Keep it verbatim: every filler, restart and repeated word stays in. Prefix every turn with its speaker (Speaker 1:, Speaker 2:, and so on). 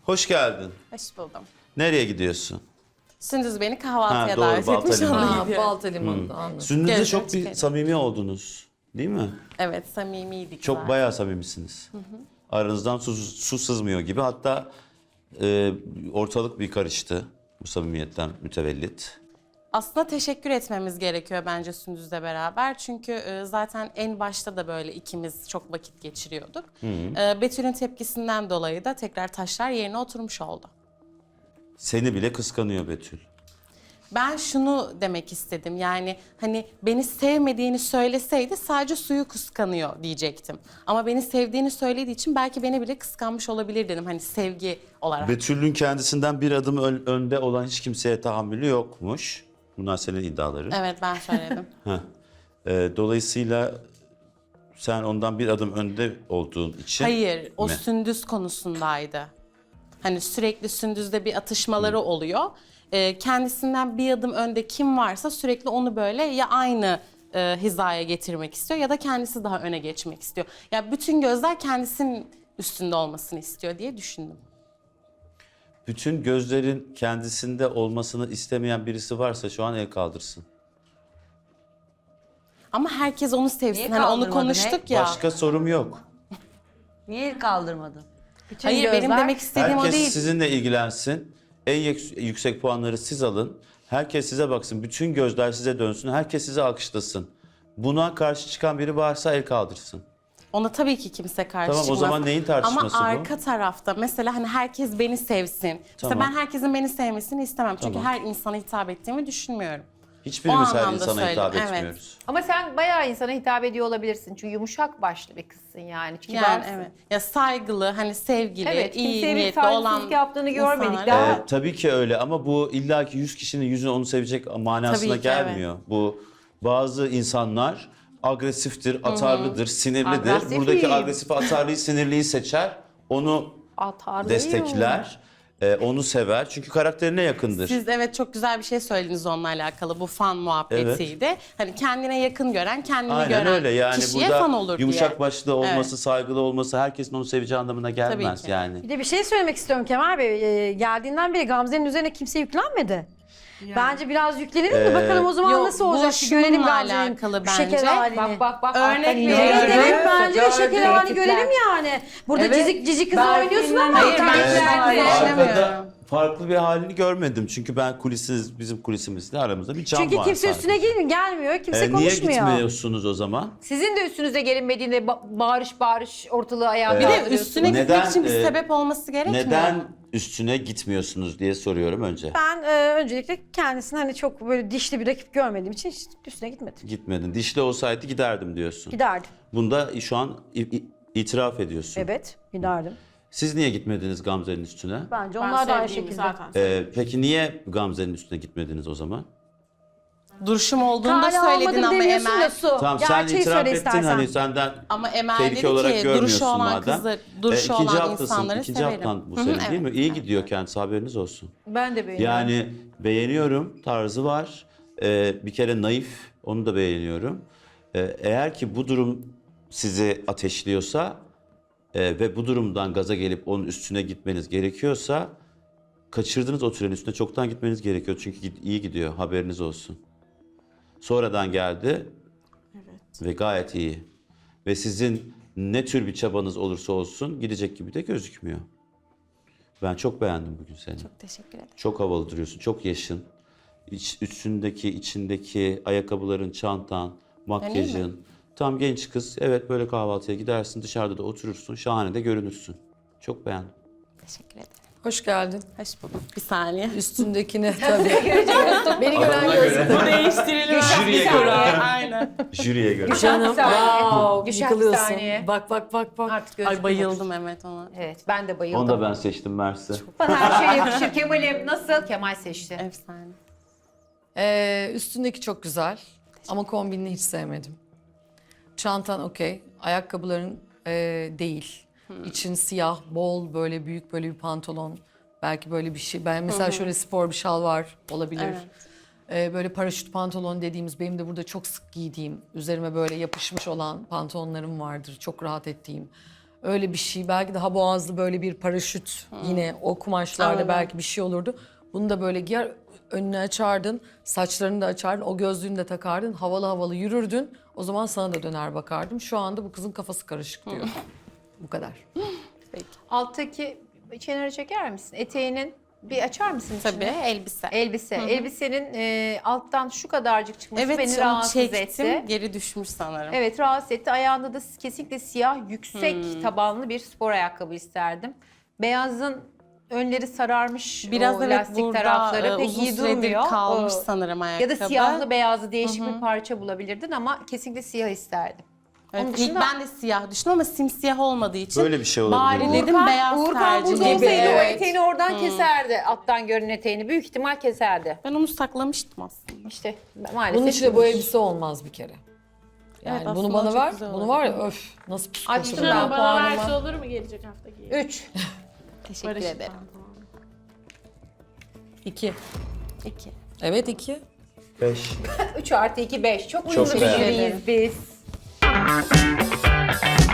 Speaker 1: Hoş geldin.
Speaker 2: Hoş buldum.
Speaker 1: Nereye gidiyorsun?
Speaker 2: Sündüz beni kahvaltıya
Speaker 1: Ha, doğru,
Speaker 2: davet
Speaker 1: Balta
Speaker 2: etmiş.
Speaker 1: Limanı.
Speaker 2: ona
Speaker 3: Ha,
Speaker 2: gidiyorum.
Speaker 3: Balta Limanı'nda anladım.
Speaker 1: Sündüz'de
Speaker 2: Gezdim,
Speaker 1: çok bir
Speaker 2: çıkarım.
Speaker 1: samimi oldunuz. Değil mi?
Speaker 2: Evet, samimiydik
Speaker 1: Çok
Speaker 2: zaten.
Speaker 1: bayağı samimisiniz. Aranızdan su, su sızmıyor gibi. Hatta e, ortalık bir karıştı bu samimiyetten mütevellit.
Speaker 2: Aslında teşekkür etmemiz gerekiyor bence Sündüz'le beraber. Çünkü e, zaten en başta da böyle ikimiz çok vakit geçiriyorduk. E, Betül'ün tepkisinden dolayı da tekrar taşlar yerine oturmuş oldu.
Speaker 1: Seni bile kıskanıyor Betül.
Speaker 2: Ben şunu demek istedim, yani hani beni sevmediğini söyleseydi sadece suyu kıskanıyor diyecektim. Ama beni sevdiğini söylediği için belki beni bile kıskanmış olabilir dedim, hani sevgi olarak.
Speaker 1: Betül'ün kendisinden bir adım ön- önde olan hiç kimseye tahammülü yokmuş. Bunlar senin iddiaların.
Speaker 2: Evet, ben söyledim.
Speaker 1: Heh. E, dolayısıyla sen ondan bir adım önde olduğun için...
Speaker 2: Hayır, o
Speaker 1: mi?
Speaker 2: Sündüz konusundaydı. Hani sürekli Sündüz'de bir atışmaları oluyor. Ee, kendisinden bir adım önde kim varsa sürekli onu böyle ya aynı e, hizaya getirmek istiyor ya da kendisi daha öne geçmek istiyor. Ya bütün gözler kendisinin üstünde olmasını istiyor diye düşündüm.
Speaker 1: Bütün gözlerin kendisinde olmasını istemeyen birisi varsa şu an el kaldırsın.
Speaker 2: Ama herkes onu sevsin.
Speaker 4: Niye
Speaker 2: Hani onu
Speaker 4: kaldırmadın,
Speaker 2: konuştuk
Speaker 4: he?
Speaker 2: ya.
Speaker 1: Başka sorum yok.
Speaker 4: Niye el kaldırmadın? Bütün
Speaker 2: Hayır, benim
Speaker 4: gözler-
Speaker 2: demek istediğim o
Speaker 1: Herkes
Speaker 2: değil.
Speaker 1: sizinle ilgilensin. En yük- yüksek puanları siz alın. Herkes size baksın. Bütün gözler size dönsün. Herkes size alkışlasın. Buna karşı çıkan biri varsa el kaldırsın.
Speaker 2: Ona tabii ki kimse karşı
Speaker 1: Tamam, o
Speaker 2: çıkmaz.
Speaker 1: zaman neyin tartışması
Speaker 2: Ama
Speaker 1: bu?
Speaker 2: arka tarafta mesela hani herkes beni sevsin.
Speaker 1: Tamam.
Speaker 2: Mesela ben herkesin beni sevmesini istemem. Çünkü
Speaker 1: Tamam.
Speaker 2: her insana hitap ettiğimi düşünmüyorum.
Speaker 1: Hiçbirimiz
Speaker 2: O
Speaker 1: her
Speaker 2: anlamda
Speaker 1: insana hitap
Speaker 2: söyledim, evet.
Speaker 1: etmiyoruz.
Speaker 5: Ama sen bayağı insana hitap ediyor olabilirsin. Çünkü yumuşak başlı bir kızsın yani.
Speaker 2: Yani
Speaker 5: Kibarsın.
Speaker 2: evet. Ya saygılı, hani sevgili,
Speaker 5: Evet,
Speaker 2: iyi
Speaker 5: kimseye bir
Speaker 2: niyetli
Speaker 5: saygısızlık
Speaker 2: olan
Speaker 5: yaptığını görmedik.
Speaker 2: insanlar-
Speaker 5: Daha-
Speaker 1: Ee, tabii ki öyle ama bu illaki yüz kişinin yüzüne onu sevecek manasına
Speaker 2: Tabii ki,
Speaker 1: gelmiyor. Bu bazı insanlar agresiftir, atarlıdır, sinirlidir.
Speaker 5: Agresif
Speaker 1: Buradaki
Speaker 5: miyim?
Speaker 1: agresifi, atarlıyı, sinirliyi seçer. Onu
Speaker 5: Atarlıyım.
Speaker 1: destekler, e, onu sever. Çünkü karakterine yakındır.
Speaker 2: Siz evet çok güzel bir şey söylediniz onunla alakalı. Bu fan muhabbetiydi. Hani kendine yakın gören, kendini
Speaker 1: Aynen
Speaker 2: gören
Speaker 1: öyle yani
Speaker 2: kişiye
Speaker 1: burada
Speaker 2: fan olur
Speaker 1: yumuşak
Speaker 2: diye.
Speaker 1: başlı olması,
Speaker 2: Evet.
Speaker 1: saygılı olması herkesin onu seveceği anlamına gelmez
Speaker 2: ki.
Speaker 1: yani.
Speaker 6: Bir de bir şey söylemek istiyorum Kemal Bey. Ee, geldiğinden beri Gamze'nin üzerine kimse yüklenmedi. Bence biraz yüklenelim de
Speaker 1: Ee,
Speaker 6: bakalım o zaman
Speaker 2: Yok,
Speaker 6: nasıl
Speaker 2: bu
Speaker 6: olacak bir görelim
Speaker 2: şununla
Speaker 6: Gamze'nin
Speaker 2: alakalı
Speaker 6: bu şeker
Speaker 2: bence.
Speaker 6: halini.
Speaker 5: Bak bak bak.
Speaker 2: Örnek
Speaker 5: alttan
Speaker 2: veriyorum.
Speaker 5: iniyor.
Speaker 6: Evet, evet, bence de şeker
Speaker 5: Gördüm.
Speaker 6: halini görelim
Speaker 5: Tehditler.
Speaker 6: yani. Burada
Speaker 5: Evet.
Speaker 6: cizik cici kızı
Speaker 5: Ben
Speaker 6: oynuyorsun
Speaker 5: filmden-
Speaker 6: ama.
Speaker 2: Hayır, ben
Speaker 5: Evet.
Speaker 2: şeker
Speaker 5: Evet.
Speaker 2: düşünemiyorum.
Speaker 1: Arkada farklı bir halini görmedim. Çünkü ben kulisiz, bizim kulisimizde aramızda bir cam
Speaker 6: Çünkü
Speaker 1: var
Speaker 6: kimse
Speaker 1: sadece.
Speaker 6: üstüne gelmiyor, gelmiyor. Kimse
Speaker 1: Ee, niye
Speaker 6: konuşmuyor.
Speaker 1: gitmiyorsunuz o zaman?
Speaker 5: Sizin de üstünüze gelinmediğinde ba- bağırış bağırış ortalığı ayağa
Speaker 1: Ee,
Speaker 2: Bir de
Speaker 5: kaldırıyorsunuz.
Speaker 2: üstüne
Speaker 1: Neden,
Speaker 2: gitmek için bir
Speaker 1: e,
Speaker 2: sebep olması gerekmiyor.
Speaker 1: Neden üstüne gitmiyorsunuz diye soruyorum önce.
Speaker 6: Ben e, öncelikle kendisini hani çok böyle dişli bir rakip görmediğim için hiç üstüne gitmedim.
Speaker 1: Gitmedin. Dişli olsaydı giderdim diyorsun.
Speaker 6: Giderdim.
Speaker 1: Bunda şu an i- i- itiraf ediyorsun.
Speaker 6: Evet, giderdim.
Speaker 1: Siz niye gitmediniz Gamze'nin üstüne?
Speaker 6: Bence
Speaker 2: Ben
Speaker 6: onlar da aynı
Speaker 2: sevdiğimi
Speaker 6: şekilde.
Speaker 2: zaten
Speaker 1: Ee, peki niye Gamze'nin üstüne gitmediniz o zaman?
Speaker 2: duruşum olduğunu da
Speaker 6: Hala
Speaker 2: söyledin
Speaker 6: almadım
Speaker 2: ama
Speaker 6: demiyorsun da
Speaker 2: Emel.
Speaker 6: Su.
Speaker 1: Tamam sen
Speaker 6: Gerçeği
Speaker 1: itiraf
Speaker 6: söyle
Speaker 1: ettin
Speaker 6: istersen.
Speaker 1: hani senden
Speaker 2: Ama Emel
Speaker 1: tehlike
Speaker 2: dedi
Speaker 1: olarak
Speaker 2: ki
Speaker 1: görmüyorsun
Speaker 2: duruşu olan
Speaker 1: madem.
Speaker 2: kızı, duruşu
Speaker 1: Ee, ikinci
Speaker 2: olan
Speaker 1: haftasın,
Speaker 2: insanları
Speaker 1: ikinci
Speaker 2: severim.
Speaker 1: haftan bu
Speaker 2: Hı hı,
Speaker 1: senin değil
Speaker 2: evet.
Speaker 1: mi? İyi gidiyor kendisi, haberiniz olsun.
Speaker 5: Ben de beğeniyorum.
Speaker 1: Yani beğeniyorum, tarzı var. Ee, bir kere naif, onu da beğeniyorum. Ee, eğer ki bu durum sizi ateşliyorsa e, ve bu durumdan gaza gelip onun üstüne gitmeniz gerekiyorsa kaçırdınız o trenin üstüne, çoktan gitmeniz gerekiyor. Çünkü gid- iyi gidiyor, haberiniz olsun. Sonradan geldi ve gayet iyi. Ve sizin ne tür bir çabanız olursa olsun gidecek gibi de gözükmüyor. Ben çok beğendim bugün seni.
Speaker 2: Çok teşekkür ederim.
Speaker 1: Çok havalı duruyorsun, çok yaşın. İç, üstündeki, içindeki ayakkabıların, çantan, makyajın. Tam genç kız. Evet, böyle kahvaltıya gidersin, dışarıda da oturursun. Şahane de görünürsün. Çok beğendim.
Speaker 2: Teşekkür ederim.
Speaker 3: Hoş geldin.
Speaker 2: Hoş bulduk. Bir saniye.
Speaker 3: Üstündekine tabii. Beni gören görsün.
Speaker 2: Bu değiştirilir.
Speaker 1: Jüriye
Speaker 2: Bir
Speaker 1: göre.
Speaker 2: saniye, Aynen.
Speaker 1: Jüriye göre.
Speaker 3: Canım. Wow,
Speaker 5: Gülşah, bir
Speaker 3: yıkılıyorsun.
Speaker 5: saniye.
Speaker 3: Bak bak bak bak.
Speaker 5: Artık gözüküyor.
Speaker 2: Ay bayıldım evet ona.
Speaker 5: Evet ben de bayıldım.
Speaker 1: Onu da ben seçtim Mersi.
Speaker 5: Bana her şey yakışır Kemal'im. Nasıl? Kemal seçti.
Speaker 2: Efsane.
Speaker 3: Ee, üstündeki çok güzel ama kombinini hiç sevmedim. Çantan okey, ayakkabıların e, değil. İçin siyah, bol böyle büyük böyle bir pantolon. Belki böyle bir şey. Ben mesela şöyle spor bir şal var olabilir.
Speaker 2: Evet.
Speaker 3: Ee, böyle paraşüt pantolon dediğimiz benim de burada çok sık giydiğim, üzerime böyle yapışmış olan pantolonlarım vardır. Çok rahat ettiğim. öyle bir şey. Belki daha boğazlı böyle bir paraşüt yine o kumaşlarda
Speaker 2: Anladım.
Speaker 3: belki bir şey olurdu. Bunu da böyle giyer, önünü açardın, saçlarını da açardın, o gözlüğünü de takardın, havalı havalı yürürdün. O zaman sana da döner bakardım. Şu anda bu kızın kafası karışık diyor. Bu kadar.
Speaker 5: Alttaki kenara çeker misin? Eteğinin bir açar mısın
Speaker 2: Tabii
Speaker 5: içini?
Speaker 2: elbise.
Speaker 5: Elbise. Elbisenin e, alttan şu kadarcık çıkması
Speaker 2: Evet
Speaker 5: beni
Speaker 2: onu
Speaker 5: rahatsız
Speaker 2: çektim.
Speaker 5: etti.
Speaker 2: Geri düşmüş sanırım.
Speaker 5: Evet rahatsız etti. Ayağında da kesinlikle siyah yüksek
Speaker 2: Hmm.
Speaker 5: tabanlı bir spor ayakkabı isterdim. Beyazın önleri sararmış
Speaker 2: Biraz
Speaker 5: o
Speaker 2: evet
Speaker 5: lastik
Speaker 2: burada
Speaker 5: tarafları
Speaker 2: e,
Speaker 5: pek
Speaker 2: uzun
Speaker 5: iyi
Speaker 2: süredir
Speaker 5: durmuyor.
Speaker 2: kalmış
Speaker 5: O-
Speaker 2: sanırım ayakkabı.
Speaker 5: Ya da siyahlı beyazlı değişik bir parça bulabilirdin ama kesinlikle siyah isterdim.
Speaker 2: Evet,
Speaker 5: Onun
Speaker 2: ilk
Speaker 5: dışında-
Speaker 2: ben de siyah düşündüm ama simsiyah olmadığı için
Speaker 1: Böyle bir şey olabilir.
Speaker 2: bari dedim
Speaker 5: Uğurkan-
Speaker 2: beyaz
Speaker 5: Uğurkan
Speaker 2: tercih
Speaker 5: burada
Speaker 2: gibi.
Speaker 5: olsaydı o
Speaker 2: Evet.
Speaker 5: eteğini oradan keserdi. Alttan görünen eteğini. Büyük ihtimal keserdi.
Speaker 2: Ben onu saklamıştım aslında.
Speaker 5: İşte maalesef.
Speaker 3: Bunun içinde bu elbise olmaz bir kere. Yani
Speaker 2: Evet,
Speaker 3: bunu
Speaker 2: aslında
Speaker 3: bana
Speaker 2: çok
Speaker 3: ver,
Speaker 2: güzel
Speaker 3: bunu
Speaker 2: olur.
Speaker 3: var ya öf nasıl
Speaker 5: Açtım
Speaker 3: psikopat.
Speaker 5: ben
Speaker 7: Bana
Speaker 5: puanımı.
Speaker 7: verse olur mu gelecek hafta giyelim?
Speaker 5: Üç.
Speaker 2: Teşekkür
Speaker 7: Barış'ın
Speaker 2: ederim.
Speaker 7: pantolonu.
Speaker 3: İki.
Speaker 2: İki.
Speaker 3: Evet iki.
Speaker 1: Beş.
Speaker 5: Üç artı iki beş. Çok
Speaker 1: Çok
Speaker 5: uyumlu bir
Speaker 1: beğendim.
Speaker 5: jüriyiz biz.